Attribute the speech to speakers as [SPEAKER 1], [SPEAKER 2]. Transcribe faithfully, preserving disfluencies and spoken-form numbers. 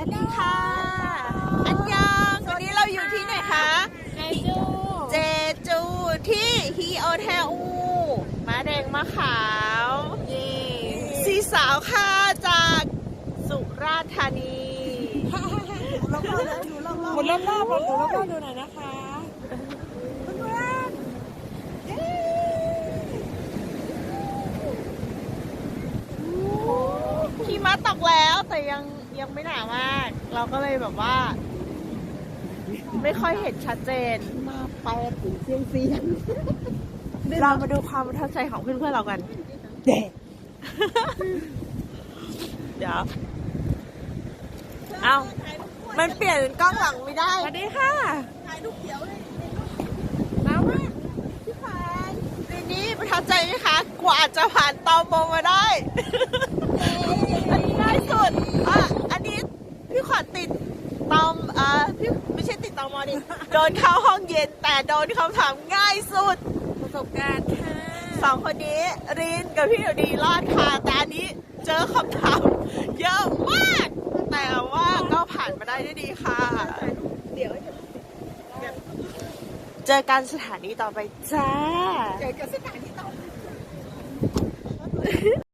[SPEAKER 1] สดีค่ะ อันยองวันนี้เราอยู่ที่ไหนคะ
[SPEAKER 2] เจจู
[SPEAKER 1] เจจูที่ฮีโอเทลม้าแดงมะขาว
[SPEAKER 2] เย่
[SPEAKER 1] สีสาวค่ะจากสุราษฎร์ธานี
[SPEAKER 2] หมุนรอบๆลองดูรอบๆดูหน่อยนะคะ
[SPEAKER 1] หิมะตกแล้วแต่ยังยังไม่หนามาก เราก็เลยแบบว่า ไม่ค่อยเห็นชัดเจน
[SPEAKER 2] มาไปถึงเซียงเซียง
[SPEAKER 1] เรามาดูความประทับใจของเพื่อนๆเรากัน
[SPEAKER 2] เด็ก
[SPEAKER 1] เดี๋ยว เอามันเปลี่ยนกล้องหลังไม่ได้
[SPEAKER 2] สวัสดีค่ะ
[SPEAKER 1] น้ำมากพี่ขวัญปีนี้ประทับใจไหมคะ กว่าจะผ่านตอมอมาได้ อันนี้ง่ายสุด อ่ะ อันนี้พี่ขวัญติดตอมอ่าพี่ไม่ใช่ติดตอมอดิ โดนเข้าห้องเย็นแต่โดนคำถามง่ายสุด
[SPEAKER 2] ประสบการณ์ค่ะ
[SPEAKER 1] สองคนนี้รินกับพี่หนูดีรอดค่ะแต่อันนี้เจอคำถามเยอะมาก แต่ว่าก็ผ่านมาได้ด้วยดีค่ะ เดี๋ยวเจอกันสถานีต่อไปจ้า
[SPEAKER 2] เจอกับสถานที่ต่อ